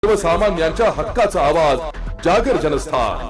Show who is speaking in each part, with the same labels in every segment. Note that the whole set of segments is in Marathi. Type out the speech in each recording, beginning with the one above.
Speaker 1: सर्वसामान्यांच्या हक्काचा आवाज जागर जनस्थान।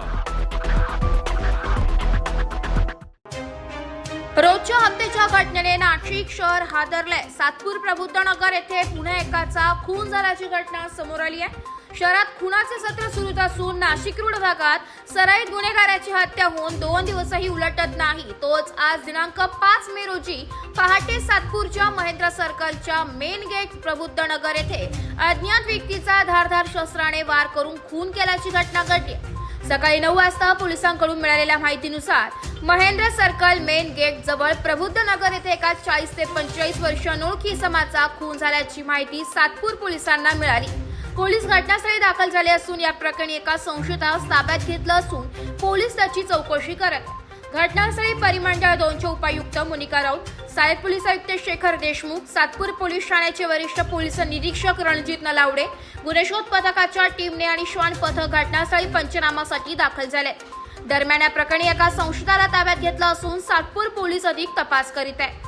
Speaker 2: रोजच्या हत्येच्या घटनेने नाशिक शहर हादरले। सातपूर प्रबुद्धनगर येथे पुन्हा एकाचा खून झाल्याची घटना समोर आली आहे। शहरात खुनाचे सत्र सुरूच असून नाशिक रोड भागात सराईत गुन्हेगाराची हत्या होऊन 2 दिवसही उलटत नाही। तोच आज दिनांक 5 मे रोजी पहाटे सातपूरच्या महेंद्र सर्कलच्या मेन गेट प्रबुद्धनगर येथे अज्ञात व्यक्तीचा धारदार शस्त्राने वार करून खून केल्याची घटना घडली। सकाळी 9 वाजता पोलिसांकडून मिळालेल्या माहितीनुसार महेंद्र सर्कल मेन गेट जवळ प्रबुद्धनगर येथे एका 40 ते 45 वर्षीय अनोळखी इसमाचा खून झाल्याची माहिती सातपूर पोलिसांना मिळाली। पोलीस घटनास्थळी दाखल झाले असून या प्रकरणी एका संशयितास ताब्यात घेतलं असून पोलीस त्याची चौकशी करत आहेत। घटनास्थळी परिमंडळ 2चे उपायुक्त मोनिका राऊत, सहाय्यक पोलीस आयुक्त शेखर देशमुख, सातपूर पोलीस ठाण्याचे वरिष्ठ पोलीस निरीक्षक रणजित नलावडे, गुन्हे शोध पथकाच्या टीमने आणि श्वान पथक घटनास्थळी पंचनामासाठी दाखल झाले। दरम्यान या प्रकरणी एका संशयिताला ताब्यात घेतलं असून सातपूर पोलीस अधिक तपास करीत आहे।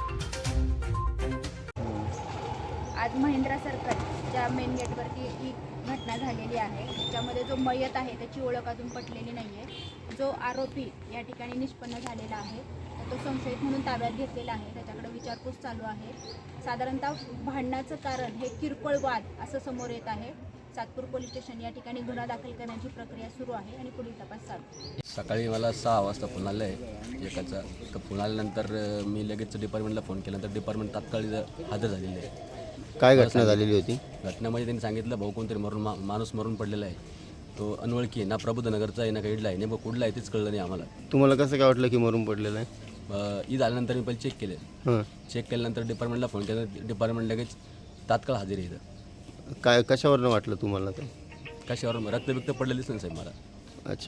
Speaker 3: आज महेंद्र सर्कलच्या मेन गेटवरती ही घटना झालेली आहे। त्याच्यामध्ये जो मयत आहे त्याची ओळख अजून पटलेली नाही आहे। जो आरोपी या ठिकाणी निष्पन्न झालेला आहे तो संशयित म्हणून ताब्यात घेतलेला आहे। त्याच्याकडे विचारपूस चालू आहे। साधारणतः भांडणाचं कारण हे किरकोळ वाद असं समोर येत आहे। सातपूर पोलीस स्टेशन या ठिकाणी गुन्हा दाखल करण्याची प्रक्रिया सुरू आहे आणि पुढील तपास चालू।
Speaker 4: सकाळी मला 6 वाजता फोन आला आहे एकाचा। तर फोन आल्यानंतर मी लगेच डिपार्टमेंटला फोन केला तर डिपार्टमेंट तात्काळ हजर झालेले आहे।
Speaker 5: काय घटना झालेली होती?
Speaker 4: घटनेमध्ये त्यांनी सांगितलं भाऊ कोणतरी माणूस मरून पडलेला आहे, तो अनोळखी आहे, ना प्रबुद्धनगरचा आहे ना का इडला आहे, नेमकं कुठला आहे तेच कळलं नाही आम्हाला।
Speaker 5: तुम्हाला कसं काय वाटलं की मरून पडलेलं आहे?
Speaker 4: ईद आल्यानंतर मी पहिले चेक केले। चेक केल्यानंतर डिपार्टमेंटला फोन केला, डिपार्टमेंट लगेच तात्काळ हजेरी आहे इथं।
Speaker 5: काय कशावरनं वाटलं तुम्हाला ते?
Speaker 4: कशावर रक्तबिक्त पडलेलीच नाही साहेब मला।
Speaker 5: अच्छा,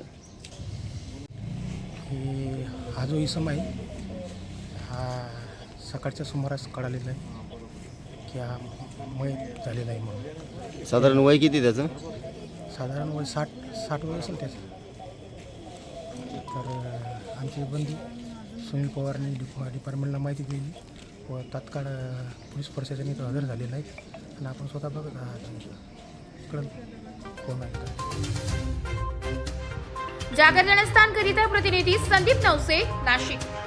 Speaker 6: हा जो इसम आहे हा सकाळच्या सुमारास कळालेला आहे की हा मयत झालेला आहे म्हणून।
Speaker 5: साधारण वय किती त्याचं?
Speaker 6: साधारण वय 60 वय असेल त्याचं। तर आमचे बंधू सुनील पवारने डिपार्टमेंटला माहिती दिली व तात्काळ पोलीस प्रशासन इथं हजर झालेलं आहे आणि आपण स्वतः बघत आहात कळलं कोण आहे।
Speaker 2: जागर जनस्थान करिता प्रतिनिधी संदीप नवसे, नाशिक।